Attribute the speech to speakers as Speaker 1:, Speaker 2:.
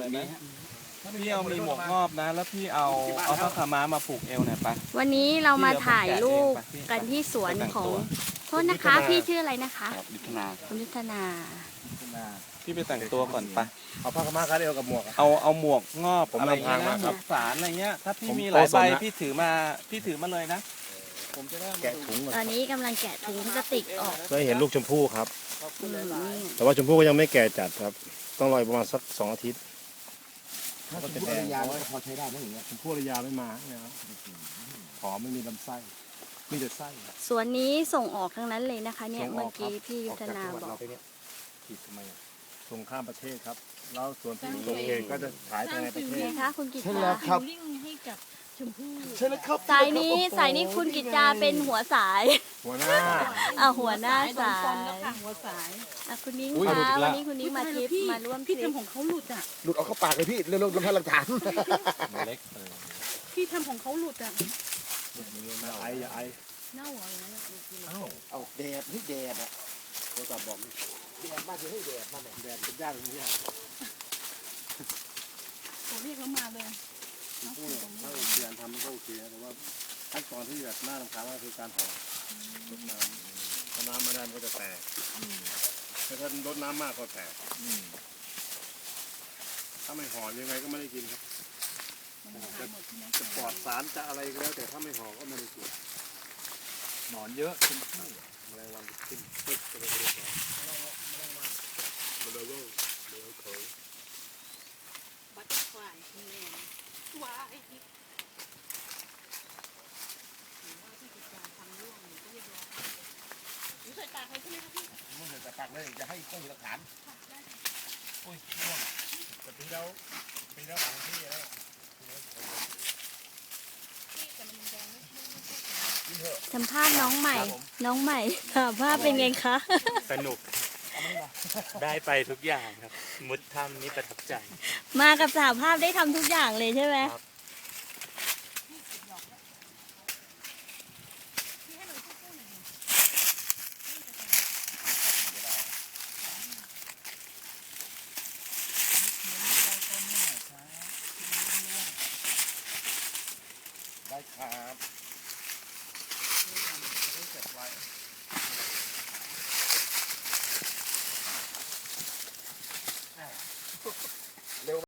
Speaker 1: นี้พี่เอามีหมวกงอบนะแล้วพี่เอาผ้าขาวม้ามาผูกเอวหน่อยปะ
Speaker 2: วันนี้เรามาถ่ายรูปกันที่สวนของโทษนะคะพี่ชื่ออะไรนะคะ
Speaker 3: ยุทธนา
Speaker 2: คุณยุทธนา
Speaker 1: พี่ไปแต่งตัวก่อนปะ
Speaker 3: เอาผ้าขาวม้าคาดเอวกับหมวก
Speaker 1: เอาหมวกงอบ
Speaker 3: ผม
Speaker 1: อะไรเงี้ย
Speaker 3: นำทาง
Speaker 1: นะ
Speaker 3: มา
Speaker 1: หม
Speaker 3: ครับ
Speaker 1: วกสารอะไรเงี้ยถ้าพี่
Speaker 3: ผม
Speaker 1: มีหลายใบ
Speaker 3: โกศลนะ
Speaker 1: พี่ถือมาเลยนะผมจะได้
Speaker 3: แกะถุงก่อน
Speaker 2: ตอนนี้กำลังแกะถุงพลาสติกออก
Speaker 3: ได้เห็นลูกชมพู่ครับ
Speaker 2: นี่
Speaker 3: แต่ว่าชมพู่ก็ยังไม่แก่จัดครับ ต้องรออีกประมาณสัก2 อาทิตย์
Speaker 4: ถ้าชมพู่ระยาพอใช้ได้ไหมอย่างเงี้ย
Speaker 3: ชมพู่ระยาไม่มานะครับผอมไม่มีลำไส้มีแต่ไส้
Speaker 2: สวนนี้ส่งออกทั้งนั้นเลยนะคะ เนี่ยเมื่อกี้พี่ยุทธนาบอก
Speaker 3: ผิดทำไมส่งข้ามประเทศครับแล้วส่วนที่ส่งเองก็จะขายภายในประเท
Speaker 2: ไง
Speaker 3: ศ
Speaker 2: คะคุณกิต
Speaker 4: ใช่
Speaker 2: ตา
Speaker 4: แล้วครับ
Speaker 5: ลิงให้กับชมพู่
Speaker 4: ใช่แล้วครับ
Speaker 2: สายนี้คุณกิตตาเป็นหัวสาย
Speaker 3: หัวหน้า
Speaker 2: หัวหน้าสาย
Speaker 5: แล้วค่ะหัวสาย
Speaker 2: คุณนิ้งคะวันนี้คุณนิ้งมาทริปมาร่วมท
Speaker 5: พี่
Speaker 2: ริป
Speaker 5: ทำของเขาหลุดอ่ะ
Speaker 4: หลุดออกเข้าปากเลยพี่เร็วๆลำพังหลักฐาน
Speaker 1: เล็ก
Speaker 5: พี่ทำของเขาหลุดอ่ะ
Speaker 3: อย่าไออย่าไอ
Speaker 5: เน่าเหรออย่างนั้นอะ
Speaker 4: เอาแดดนี่แดดอะโทรศัพท์บอกแดดมาจะให้แดดมาเนี่ย
Speaker 3: แดดเป็นยากตรงนี้
Speaker 5: ผมเรียกเขามาเลย
Speaker 3: ชมพู่เนี่ยถ้าโอเคทำมันก็โอเคนะแต่ว่าขั้นตอนที่แบบน่ารำคาญมากคือการห่อรดน้ำถ้าน้ำไม่ได้มันก็จะแตกถ้ารดน้ำมากก็แตกถ้าไม่ห่อยังไงก็ไม่ได้กินครับจะปลอดสารจะอะไรก็แล้วแต่ถ้าไม่ห่อก็ไม่ได้กิน
Speaker 1: หนอนเยอะ
Speaker 3: แมลงวันขึ้นปึ๊บจะไปเรียบร้อยเบลโลเบลโค
Speaker 5: บัตเตอร์ฟลายแม่ว้ายใส่ตาเขาใช่ไหมครับพี่
Speaker 4: มึงเห็นแต่ปากเลยจะให้ต้องมีหลักฐาน
Speaker 3: อุ้ยร่วงแต่ปีแล้วของพี่แล้ว
Speaker 2: สัมภาษณ์น้องใหม่ ถามว่าเป็นไงคะ
Speaker 6: สนุก ได้ไปทุกอย่างครับ มุดถ้ำนี่ประทับใจ
Speaker 2: มากับสหภาพได้ทำทุกอย่างเลยใช่ไหม
Speaker 6: ครับ
Speaker 4: ได้ครับ